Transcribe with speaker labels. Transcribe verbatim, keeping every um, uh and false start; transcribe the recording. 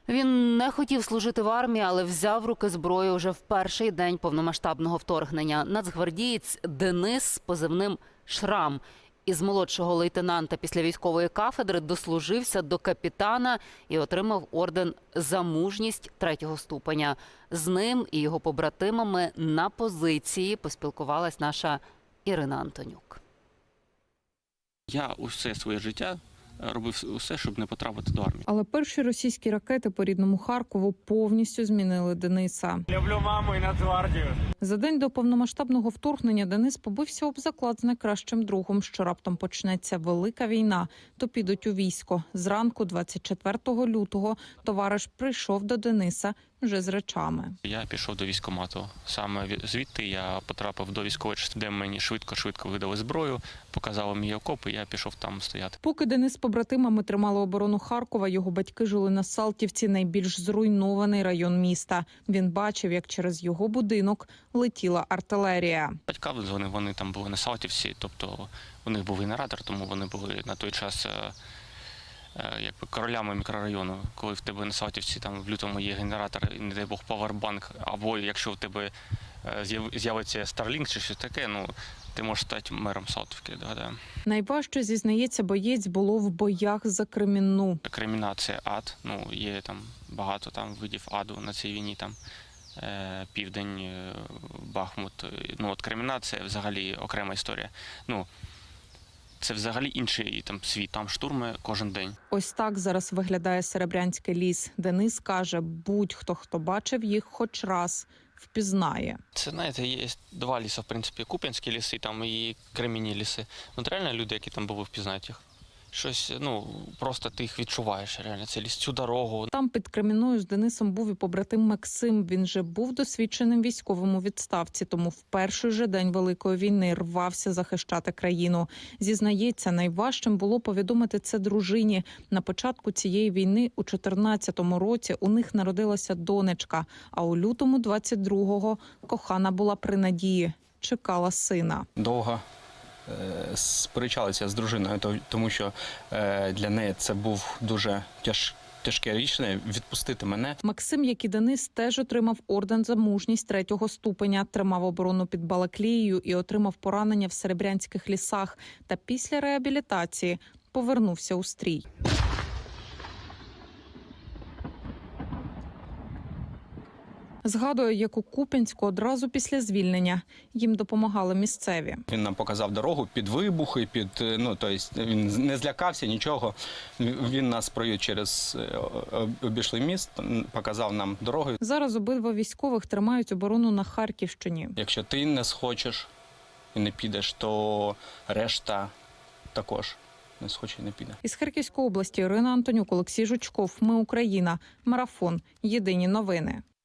Speaker 1: Він не хотів служити в армії, але взяв в руки зброю вже в перший день повномасштабного вторгнення. Нацгвардієць Денис з позивним «Шрам» із молодшого лейтенанта після військової кафедри дослужився до капітана і отримав орден «За мужність» третього ступеня. З ним і його побратимами на позиції поспілкувалась наша Ірина Антонюк.
Speaker 2: Я усе своє життя робив усе, щоб не потрапити до армії.
Speaker 3: Але перші російські ракети по рідному Харкову повністю змінили Дениса.
Speaker 4: Люблю маму і Нацгвардію.
Speaker 3: За день до повномасштабного вторгнення Денис побився об заклад з найкращим другом, що раптом почнеться велика війна, то підуть у військо. Зранку двадцять четвертого лютого товариш прийшов до Дениса вже з речами.
Speaker 2: Я пішов до військкомату. Саме звідти я потрапив до військової частини, де мені швидко-швидко видали зброю, показали мій окоп, і я пішов там стояти.
Speaker 3: Поки Денис з побратимами тримали оборону Харкова, його батьки жили на Салтівці, найбільш зруйнований район міста. Він бачив, як через його будинок летіла артилерія.
Speaker 2: Батька вони, вони там були на Салтівці, тобто у них був генератор, тому вони були на той час якби королями мікрорайону. Коли в тебе на Салтівці там в лютому є генератор, і не дай Бог павербанк, або якщо в тебе з'явиться Starlink чи щось таке, ну ти можеш стати мером Салтівки. Да-да.
Speaker 3: Найважче, зізнається боєць, було в боях за Кремінну.
Speaker 2: Кремінна – це ад, ну є там багато там видів аду на цій війні, там Південь, Бахмут. Ну от Кремінна – це взагалі окрема історія. Ну, це взагалі інший там світ, там штурми кожен день.
Speaker 3: Ось так зараз виглядає Серебрянський ліс. Денис каже, будь-хто, хто бачив їх хоч раз, впізнає.
Speaker 2: Це, знаєте, є два ліси, в принципі, Куп'янські ліси там і Кремінні ліси. Ну, реально люди, які там були, впізнають їх. Щось, ну, просто ти їх відчуваєш, реально, це ліс, цю дорогу.
Speaker 3: Там під Кремінною з Денисом був і побратим Максим. Він же був досвідченим військовим у відставці, тому в перший же день Великої війни рвався захищати країну. Зізнається, найважчим було повідомити це дружині. На початку цієї війни у чотирнадцятому році у них народилася донечка, а у лютому двадцять другого кохана була при надії, чекала сина.
Speaker 5: Довго сперечалися з дружиною, тому що для неї це був дуже тяж, тяжке рішення відпустити мене.
Speaker 3: Максим, як і Денис, теж отримав орден за мужність третього ступеня, тримав оборону під Балаклією і отримав поранення в Серебрянських лісах. Та після реабілітації повернувся у стрій. Згадує, як у Куп'янську одразу після звільнення їм допомагали місцеві.
Speaker 5: Він нам показав дорогу під вибухи, під, ну, тобто він не злякався нічого. Він нас провів через обійшли міст, показав нам дорогу.
Speaker 3: Зараз обидва військових тримають оборону на Харківщині.
Speaker 5: Якщо ти не схочеш і не підеш, то решта також не схоче і не піде.
Speaker 3: Із Харківської області Ірина Антонюк, Олексій Жучков. Ми Україна. Марафон. Єдині новини.